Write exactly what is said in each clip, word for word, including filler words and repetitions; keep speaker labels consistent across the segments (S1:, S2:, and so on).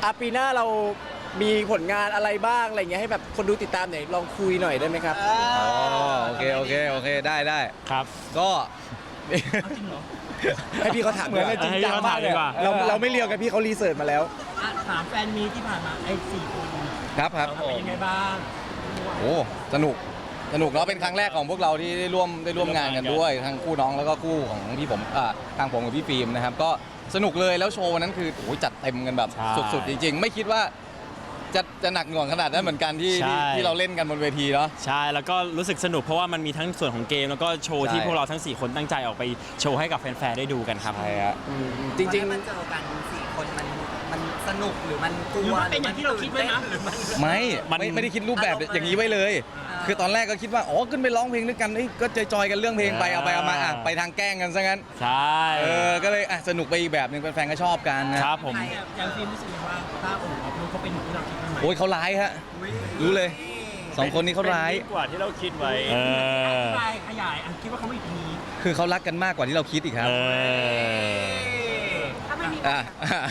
S1: อ่ะปีหน้าเรามีผลงานอะไรบ้างอะไรเงี้ยให้แบบคนดูติดตามหน่อยลองคุยหน่อยได้ไหมครับ
S2: อ๋อโอเคโอเคโอเคได้ได้
S3: ครับ
S2: ก็
S1: ให้พี่เขาถาม
S2: เหมือนจริงจังมากเลย
S1: เราเราไม่เรียวกันพี่เขารีเสิร์ชมาแล้ว
S4: อ่ะถามแฟนมีที่ผ่านมาไอ้สี่คน
S2: ครับครับ
S4: เป็นยังไงบ้าง
S2: โอ้สนุกสนุกเนาะเป็นครั้งแรกของพวกเราที่ได้ร่วมได้ร่วมงานกันด้วยทั้งคู่น้องแล้วก็คู่ของพี่ผมอ่าทางผมกับพี่ฟิล์มนะครับก็สนุกเลยแล้วโชว์วันนั้นคือโอ้ยจัดเต็มกันแบบ
S3: ใช่
S2: สุดๆจริงๆ ไม่คิดว่าจะจะหนักหน่วงขนาดนั้นเหมือนกันที่
S3: ใช่
S2: ที่ที่เราเล่นกันบนเวทีเนาะ
S3: ใช่แล้วก็รู้สึกสนุกเพราะว่ามันมีทั้งส่วนของเกมแล้วก็โชว์
S2: ใช่
S3: ที่พวกเราทั้งสี่คนตั้งใจออกไปโชว์ให้กับแฟนๆได้ดูกันครับ
S2: ใช่ฮะ
S1: อืมจริง
S5: มันเจอกันสี่คนมันมันสนุกหรือมันกลั
S4: หรือ
S5: ว
S4: มันเป็นอย่างที่เราคิดไว้นะ
S5: หรือมัน
S2: ไม่
S3: มัน
S2: ไม่ไม่ได้คิดรูปแบบอย่างนี้ไว้เลย คือตอนแรกก็คิดว่าอ๋อขึ้นไปร้องเพลงด้วยกันเอ้ยก็จอยๆกันเรื่องเพลงไปเอาไปเอามาอ่ะไปทางแกล้งกันซะงั้น
S3: ใช่
S2: เออก็เลยอ่ะสนุกไปอีกแบบหนึงแฟนๆก็ชอบกันนะครับ
S3: ผม
S4: อย่างฟิล์มรู้สึกว่าถ้าโอ้โหลูกเขาเป็นอย่างที่เราคิดไว้ไหม
S2: โอ้ยเขาร้ายฮะรู้เลยสองคนนี้เขาร้าย
S6: กว่าที่เราคิดไว้
S3: เอ
S4: อ
S3: อ
S4: ธิบายขยายอันคิดว่าเขาไม่ดี
S2: คือเขารักกันมากกว่าที่เราคิดอีกครับ
S3: เออ
S5: ถ้าไม่มี
S2: อ่ะ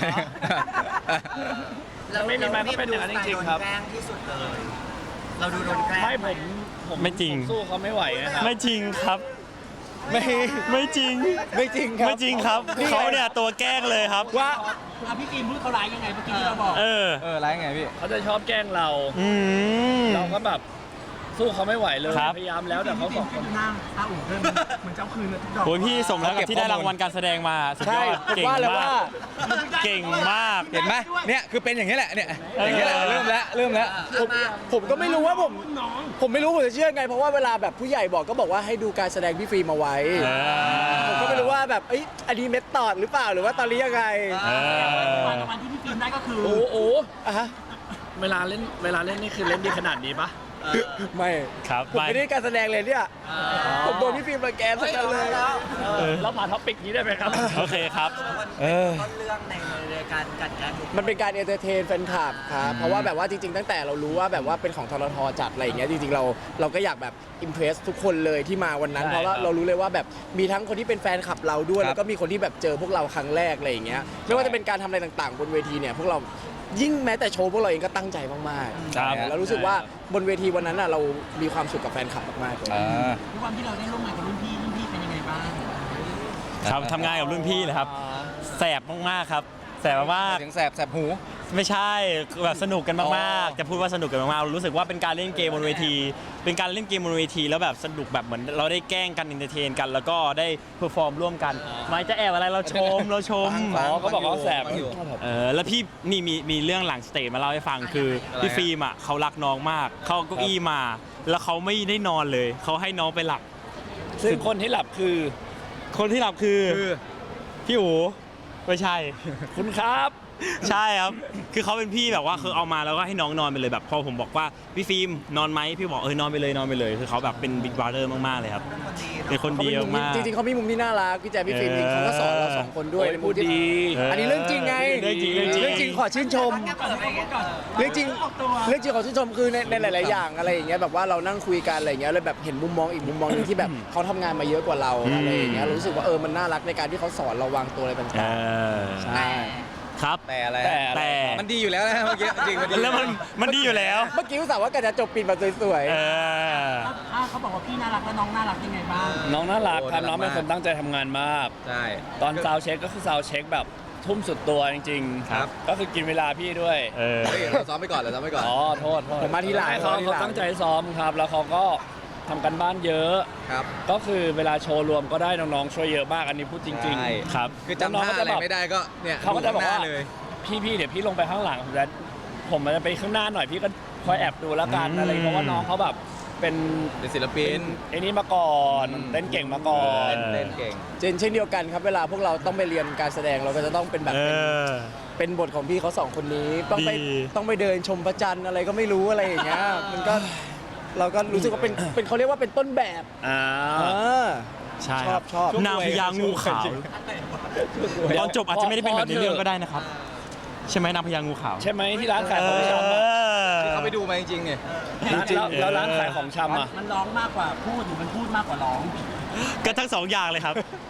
S6: ไม่มีไม้ก็เป็นอย่างนั้นจริงๆครับ
S5: โดนแกล้งที่สุดเลย เราดูโดนแกล้ง
S6: ไม่ผมผม
S3: ไม่จริง
S6: ผมสู้เขาไม่ไหวนะครับ
S3: ไม่จริงครับ
S1: ไม่
S3: ไม่จริง
S1: ไม่จริงครับ
S3: ไม่จริงครับเขาเนี่ยตัวแกล้งเลยครับ
S1: ว่า
S4: อ่ะพี่ฟิล์มพูดเขาร้ายยังไงเมื่อกี้ที่เราบอก
S3: เออ
S2: เออร้ายไงพี่
S6: เขาจะชอบแกล้งเรา
S3: อืม
S6: เราก็แบบสู้เขาไม่ไหวเลย
S3: ครับ
S6: พยายามแล้วแต่เขาสองคน
S4: หน้าตาอุ่นเพิ่มเหมือนเจ้าคืนเลยทุกดอก
S3: โอ้ยพี่สมแล้วกับที่ได้รางวัลการแสดงมาสุดย
S1: ใช่
S3: อดเก่ง
S1: ว่าแล้ว
S3: มา
S1: ว่า
S3: ก เก่งมาก
S2: เห็นไหมเนี่ยคือเป็นอย่างนี้แหละเนี่ยอย่างนี้แหละเริ่มแล้วเริ่มแล้ว
S1: ผมผมก็ไม่รู้ว่าผม
S4: น้อง
S1: ผมไม่รู้ผมจะเชื่อไง เพราะว่าเวลาแบบผู้ใหญ่บอกก็บอกว่าให้ดูการแสดงพี่ฟิล์มเอาไว้
S3: เออ
S1: ผมก็ไม่รู้ว่าแบบเอ้ยอันนี้เมทตอดหรือเปล่าหรือว่าตอนนี้ยังไง
S3: เออ
S4: วันกับวันที่พี่ฟิล์มได้ก็คือ
S6: โอ้โห
S1: อ่ะฮะ
S6: เวลาเล่นเวลาเล่นนี่คือเล่นดีขนาดนี้ปะ
S1: ไม่
S3: ครับ
S1: ผมไม่ได้การแสดงเลยเนี่ยผมโดนพี่ฟิล์มรังแกสักกันเลย
S6: เราผ่านท็อปิกนี้ได้ไหมครับ
S3: โอเคครับ
S2: เออ
S5: ต้นเรื่องในในการกัดแกล้งทุกคน
S1: มันเป็นการเอนเตอร์เทนแฟนคลับครับเพราะว่าแบบว่าจริงๆ ตั้งแต่เรารู้ว่าแบบว่าเป็นของทรทจัดอะไรอย่างเงี้ยจริงๆเราเราก็อยากแบบอิมเพรสทุกคนเลยที่มาวันนั้น
S6: ใช่
S1: เพราะว่า
S6: ครับ
S1: เรารู้เลยว่าแบบมีทั้งคนที่เป็นแฟนคลับเราด้วย
S2: ครับ
S1: แล้วก็มีคนที่แบบเจอพวกเราครั้งแรกอะไรอย่างเงี้ยไม่ว่าจะเป็นการทำอะไรต่างๆ บนเวทีเนี่ยพวกเรายิ่งแม้แต่โชว์พวกเราเองก็ตั้งใจมากๆ
S3: ครับ
S1: แล้วรู้สึกว่าบนเวทีวันนั้นน่ะเรามีความสุขกับแฟนคลับมากๆเลย
S2: อ่า
S4: ทุกวันที่เราได้ร่วมงานกับรุ่นพี่รุ่นพี่เป็นยังไงบ้าง
S3: ครับทำงานกับรุ่นพี่เลยครับ แสบมากๆครับ แสบมาก
S2: เสียงแสบแสบหู
S3: ๆไม่ใช่แบบสนุกกัน
S2: อ๋
S3: มาก
S2: อ
S3: ๆ จะพูดว่าสนุกกันมากๆ รู้สึกว่าเป็นการเล่นเกมบนเวที เป็นการเล่นเกมบนเวทีแล้วแบบสนุกแบบเหมือนเราได้แกล้งกันอินเตอร์เทนกัน แล้วก็ได้เพอร์ฟอร์มร่วมกันไม่จะแอบอะไรเราชมเราชม
S2: ฟัง
S6: อ๋อเขาบอกว่าแสบ
S2: ฟังอยู่
S3: เออแล้วพี่นี่มีมีเรื่องหลังสเตจมาเล่าให้ฟังคือ
S2: อะไร
S3: พี่
S2: ฮะ
S3: ฟิล์มอ่ะเขารักน้องมาก เขาเอาเก้าอี้มา แล้วเขาไม่ได้นอนเลย เขาให้น้องไปหลับ
S6: ซึ่งคนที่หลับคือ
S3: คนที่หลับคือ
S2: คือ
S3: พี่อู๋ไม่ใช่
S6: คุณครับ
S3: ใช่ครับ คือเขาเป็นพี่แบบว่าคือเอามาแล้วก็ให้น้องนอนไปเลยแบบพอผมบอกว่าพี่ฟิล์มนอนไหมพี่บอกเออนอนไปเลยนอนไปเลย คือเขาแบบเป็นบิ๊กบราเดอร์มากๆเลยครับ เป็นคน
S1: เขา
S3: ดี
S1: เป็นมุม
S3: มาก
S1: ที่จริงๆเขามีมุมที่น่ารักพี่แจ๊คพี่ฟิล์มจริงๆเขาก็สอนเราสองคนด้วย
S6: โอ้ย
S1: ในมุมที่
S6: พูดดี
S1: อันนี้เรื่องจริงไง
S3: เรื่องจริงเรื่องจริง
S1: เรื่องจริงขอชื่นชม
S4: ก่อนเลยก่อน
S1: เรื่องจริงเรื่องจริงของชื่นชมคือในในหลาย ๆ อย่างอะไรอย่างเงี้ยแบบว่าเรานั่งคุยกันอะไรอย่างเงี้ยเลยแบบเห็นมุมมองอีกมุมมองหนึงที่แบบเขาทำงานมาเยอะกว่าเรา
S3: อืม
S1: อะไรอย่างเงี้ยเรารู้สึกว่าเออมันน่ารักในการที่เขาสอนเราวางตัวอะไร
S3: เอ
S1: ต่าง
S3: อ
S1: ๆใช่
S3: ครับ
S2: แต่อะไร
S6: แต่
S3: แต่
S2: มันดีอยู่แล้วนะเมื่อกี้จริงมันดี
S3: แล้วมันมันดีอยู่แล้ว
S1: เมื่อกี้อุตส่าห์ว่ากันจะจบปิดแบบสวย
S3: เออ
S4: ถ้าเขาบอกว่าพี่น่ารักแล้วน้องน่ารักยังไงบ้าง
S6: น้องน่ารัก
S2: โอ้
S6: ครับน้องเป็น
S2: น่ารัก
S6: คนตั้งใจทำงานมาก
S2: ใช่
S6: ตอนซาวด์เช็คก็คือซาวด์เช็คแบบทุ่มสุดตัวจริงๆ
S2: ครับ
S6: ก็คือกินเวลาพี่ด้วย
S3: เออ
S2: เฮ้ยเราซ้อมไปก่อนเราซ้อมไปก่อน
S6: อ๋อโทษโทษ
S1: ๆผมมาทีหลัง
S6: ให้เขา
S1: มาที
S6: เขา
S1: หลัง
S6: ตั้งใจซ้อมครับ แล้วเขาก็ทำกันบ้านเยอะ
S2: ครับ
S6: ก็คือเวลาโชว์รวมก็ได้น้องๆช่วยเยอะมากอันนี้พูดจริง
S2: ใช่
S3: ครับ
S2: คือจำท่าอะไรไม่ได้ก็เนี่ย
S6: เขาก็จะบอกว่า
S2: ดูข้งหน้เลย
S6: ๆ พี่พี่เดี๋ยวพี่ลงไปข้างหลังผมจะผมมันจะไปข้างหน้าหน่อยพี่ก็คอยแอบดูแล้วกัน
S3: อืม
S6: อะไรเพราะว่าน้องเขาแบบเป็น
S2: เป็นศิลปิน
S6: ไอ้นี่มาก่อน
S2: อืม
S6: เต้นเก่งมาก่อน
S2: เล่นเก่ง
S1: เจนเช่นเดียวกันครับเวลาพวกเราต้องไปเรียนการแสดงเราก็จะต้องเป็นแบบ
S3: เอ
S1: เป็น
S3: อ
S1: เป็นบทของพี่เขาสองคนนี้ต้องไป
S3: ดี
S1: ต้องไปเดินชมพระจันทร์อะไรก็ไม่รู้อะไรอย่างเงี้ยมันก็เราก็รู้สึกว่าเป็นเป็นเขาเรียกว่าเป็นต้นแบบ
S6: อ่า
S1: เออ
S3: ใช่
S1: ชอบชอบ
S3: นางพญางูขาวตอนจบอาจจะไม่ได้เป็นแบบในเรื่องก็ได้นะครับ ใช่ไหมนางพญางูขาว
S6: ใช่ไหมที่ร้านขายของชำอะ
S2: ที่เขาไปดูมาจริงๆเนี่ย
S6: ร้านแล้วแล้วร้านขายของชำอ่ะ
S4: มันร้องมากกว่าพูดหรือมันพูดมากกว่าร้อง
S3: ก็ทั้งสองอย่างเลยครับ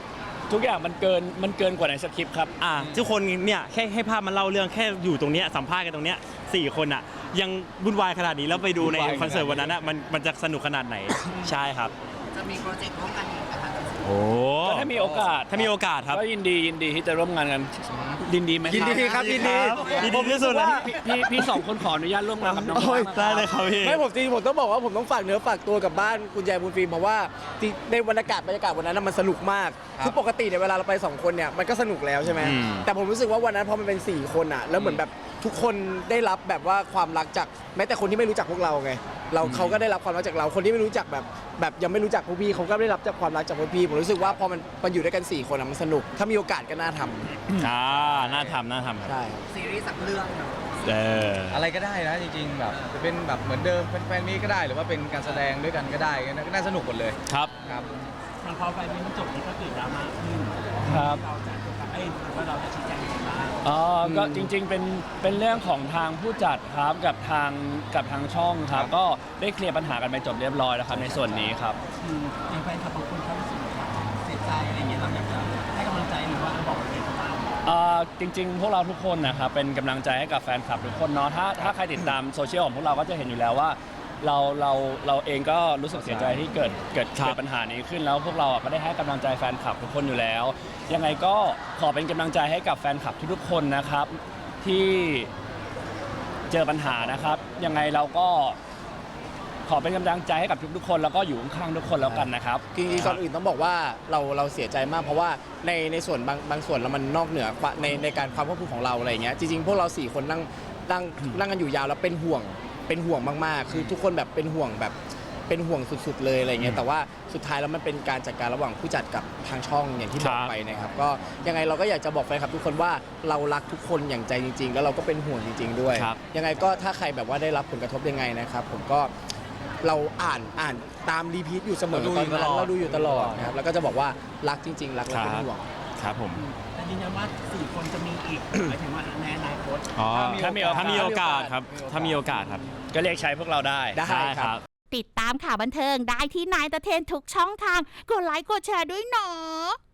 S6: ทุกอย่างมันเกินมันเกินกว่าในสคริปต์ครับ
S3: อ่าทุกคนเนี่ยแค่ให้ภาพมันเล่าเรื่องแค่อยู่ตรงเนี้ยสัมภาษณ์กันตรงเนี้ยสี่คนอ่ะยังวุ่นวายขนาดนี้แล้วไปดูใน
S2: วุ่นวาย
S3: คอนเสิร์ตวันนั้นอ่ะมันมันจะสนุกขนาดไหน ใช่ครับ
S5: จะมีโปรเจกต์ร่วมกันอีกนะคะ
S3: โอ้
S6: ก็ถ้ามีโอกาส
S3: ถ้ามีโอกาสครับ
S6: ก็ยินดียินดีที่จะร่วมงานกันยินดีไหม
S1: ยินดีครับยินดี
S3: ยินดีที่สุด
S6: ว่า
S3: นะ
S6: พี่พี่พี่สองคนขออนุญาตร่วมงานกับน้อง
S1: โอ้ย
S6: ๆ
S3: ได้เลยครับพี่
S1: ไม่ผมจริงๆผมต้องบอกว่าผมต้องฝากเนื้อฝากตัวกับบ้านคุณยายบุญฟิล์มเพราะว่าที่ในบรรยากาศบรรยากาศวันนั้นนะมันสนุกมาก
S2: ครับ
S1: คือปกติเนี่ยเวลาเราไปสองคนเนี่ยมันก็สนุกแล้วใช่ไหม
S3: อืม
S1: แต่ผมรู้สึกว่าวันนั้นพอมันเป็นสี่คนอ่ะแล้วเหมือนแบบทุกคนได้รับแบบว่าความรักจากแม้แต่คนที่ไม่รู้จักพวกเราไงเราเขาก็ได้รับความรักจากเราคนที่ไม่รู้จักแบบแบบยังไม่รู้จักพวกพี่เขาก็ได้รับจากความรักจากพวกพี่ผมรู้สึกว่าพอมันมันอยู่ด้วยกันสี่คนอะมันสนุกถ้ามีโอกาสก็น่าทำ
S3: อ่าน่าทำน่าทำครับ
S1: ใช่
S5: ซีรีส์สักเรื่องเนาะ
S3: เออ
S2: อะไรก็ได้นะจริงๆแบบจะเป็นแบบเหมือนเดิมเป็นแฟนมีก็ได้หรือว่าเป็นการแสดงด้วยกันก็ได้ก็น่าสนุกหมดเลย
S3: ครับ
S2: ครับ
S4: มันพอไฟนี้มันจบนี่ก็เกิดดราม่าขึ้น
S6: ครับ
S4: เราจะไอ้ยว่าเราจะชี้แจงยังไงบ้าง
S6: อ๋อก็จริงๆเป็นเป็นเรื่องของทางผู้จัดครับกับทางกับทางช่องครับ ก็ได้เคลียร์ปัญหากันไปจบเรียบร้อยแล้วครับในส่วนนี้ครับ
S4: คืออย่างแฟนคลับบางคนเขารู้สึกว่าเสียใจอะไรเงี้ยเราอยากจะให้กำลังใจหรือว่าบอกอะไรเขาบ้าง
S6: เอ่อจริงๆ พวกเราทุกคนนะครับเป็นกำลังใจให้กับแฟนคลับทุกคนเนาะถ้าถ้าใครติดตามโซเชียลของพวกเราก็จะเห็นอยู่แล้วว่า เราเราเราเองก็รู้สึกเสียใจที่เกิดเกิด
S3: ครับ
S6: เกิดปัญหานี้ขึ้นแล้วพวกเราอ่ะก็ได้ให้กำลังใจแฟนคลับทุกคนอยู่แล้ว ยังไงก็ขอเป็นกำลังใจให้กับแฟนคลับทุกๆคนนะครับที่เจอปัญหานะครับ ยังไงเราก็ขอเป็นกำลังใจให้กับทุกๆคน แล้วก็อยู่ข้างๆทุกคนแล้วกันนะครับ
S1: จริงๆก่อนอื่นต้องบอกว่าเราเราเสียใจมากเพราะว่าในในส่วนบางบางส่วนแล้วมันนอกเหนือในในการความควบคุมของเราอะไรอย่างเงี้ยจริงๆพวกเราสี่คนนั่งนั่งนั่งกันอยู่ยาวแล้วเป็นห่วงเป็นห่วงมากๆ คือทุกคนแบบเป็นห่วงแบบเป็นห่วงสุดๆเลยอะไรเงี้ยแต่ว่าสุดท้ายแล้วมันเป็นการจัดการระหว่างผู้จัดกับทางช่องอย่างที่บอก
S3: ครับ
S1: ไปนะครับก็ยังไงเราก็อยากจะบอกแฟนคลับทุกคนว่าเรารักทุกคนอย่างใจจริง ๆ แล้วเราก็เป็นห่วงจริง ๆ ด้วย
S3: ครับ
S1: ยังไงก็ถ้าใครแบบว่าได้รับผลกระทบยังไงนะครับผมก็เราอ่านอ่านตามรีพีทอยู่เสมอ
S2: เราดู
S1: ต
S2: อ
S1: อน
S2: ยู่ต
S1: นั้น
S2: ลอด
S1: เราดูอยู่ตลอดนะครับแล้วก็จะบอกว่ารักจริง ๆ รักและเป็นห่วง
S3: ครับผม
S4: แต่ยืนยันว่าสี่คนจะมีอีก หมายถึงว่าในอนาคต
S3: อ๋อ
S6: ถ้ามีโอกาส
S3: ถ้ามีโอกาสครับถ้ามีโอกาสครับ
S6: ก็เรียกใช้พวกเราได้
S1: ได้
S3: ใช่
S1: ค
S3: ค
S1: รั
S3: รับ บ
S7: ติดตามข่าวบันเทิงได้ที่นายตะเทนทุกช่องทาง กดไลค์กดแชร์ด้วยเนาะ